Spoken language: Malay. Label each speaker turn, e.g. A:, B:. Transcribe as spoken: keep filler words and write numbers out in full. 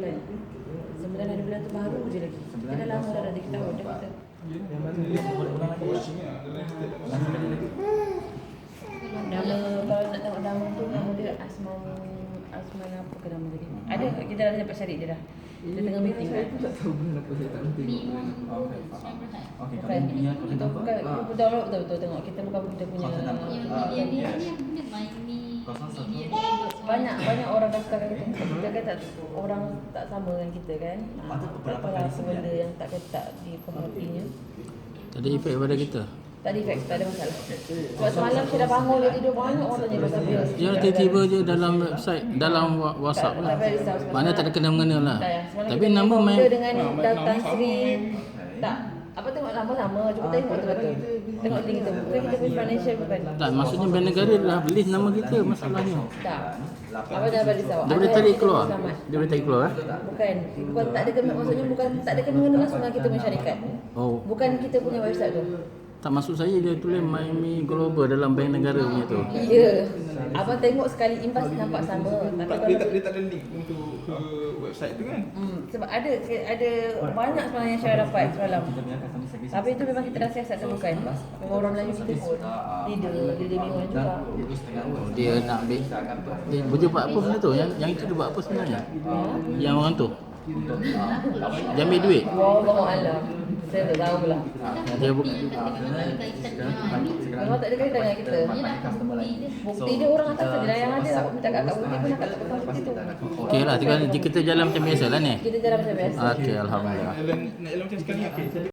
A: bulan. Sembilan hari bulan tu baru je lagi. Kita dah lama dah dah tiga tahun dah kita.
B: Yang mana dia boleh ulang lagi?
A: Nama kalau nak tengok nama tu nama dia Asman Asman apa ke nama dia? Ada kita dah dapat cari dia dah. Dia tengah meeting kan.
B: Aku tak tahu bulan apa saya tak nanti.
C: Okey, faham. Okey,
A: Bukan,
C: kalau ini aku
A: kita
C: kenapa?
A: bukan, kita betul betul betul tengok kita bukan kita punya
C: Kau kenapa?
D: Yang
C: Ah,
D: yang dia
C: yes.
D: ni apa benda main ni.
C: Kosong satu.
D: Dia dia
A: banyak banyak orang daftarkan kita. Kita kan tak orang tak sama dengan kita kan. Ha,
C: Patut
A: tak
C: beberapa
A: tahu
C: kali
A: apa
C: sembilan.
A: benda yang tak tak diperhatinya.
E: Tak ada efek pada kita.
A: Tak ada efek, tak ada masalah. Sebab semalam saya dah bangun dia tidur banyak orang tanya pasal dia.
E: Dia tiba-tiba je dalam website, dalam wa- WhatsApp lah. Mana tak ada kena-mengena lah.
A: Tak, ya. Semalam
E: Tapi
A: kita
E: nama
A: tengok
E: main
A: dia dengan Daftar Sri. Tak. Apa tengok nama sama, cuba tengok betul-betul. Tengok tinggi tu. Bukan kita punya financial bukan.
E: tak, maksudnya bank negara dah list nama kita masalahnya.
A: Tak. Apa dah bagi tahu?
E: Dia boleh
A: Ada
E: tarik
A: kita
E: keluar.
A: selamat.
E: Dia boleh tarik keluar eh.
A: Bukan, bukan tak ada kena, maksudnya bukan tak ada kena-mengena langsung dengan kita punya syarikat.
E: Oh,
A: Bukan kita punya website tu.
E: tak maksud saya dia tulis Miami Global dalam bank negara punya tu.
A: Ya. Abang tengok sekali imbas nampak sama. Tapi
B: Tak,
A: kalau
B: dia tak dia tak ada link untuk ke website tu kan?
A: Hmm, sebab ada ada banyak sebenarnya saya dapat semalam.
C: Kita punya customer service.
A: Tapi itu memang kita dah siasat temukan. Memang orang Melayu kita pun leader, leader bingung juga.
E: Oh, dia nak ambil. Dia, dia buat apa benda tu? Yang yang itu dia buat apa sebenarnya? Yang orang tu. Dia ambil duit.
A: Wallahu alam. Saya tak tahu pula.
E: Dia bu-
A: Memang tak ada kaitan dengan kita. Bukti dia orang atas saja yang ada. Aku minta kakak bukti pun nak lepas bukti tu.
E: Okey lah, tinggal kita jalan macam biasa lah ni.
A: Kita jalan macam biasa.
E: Okey, alhamdulillah.
B: Nak jalan nak jalan macam sekali okey.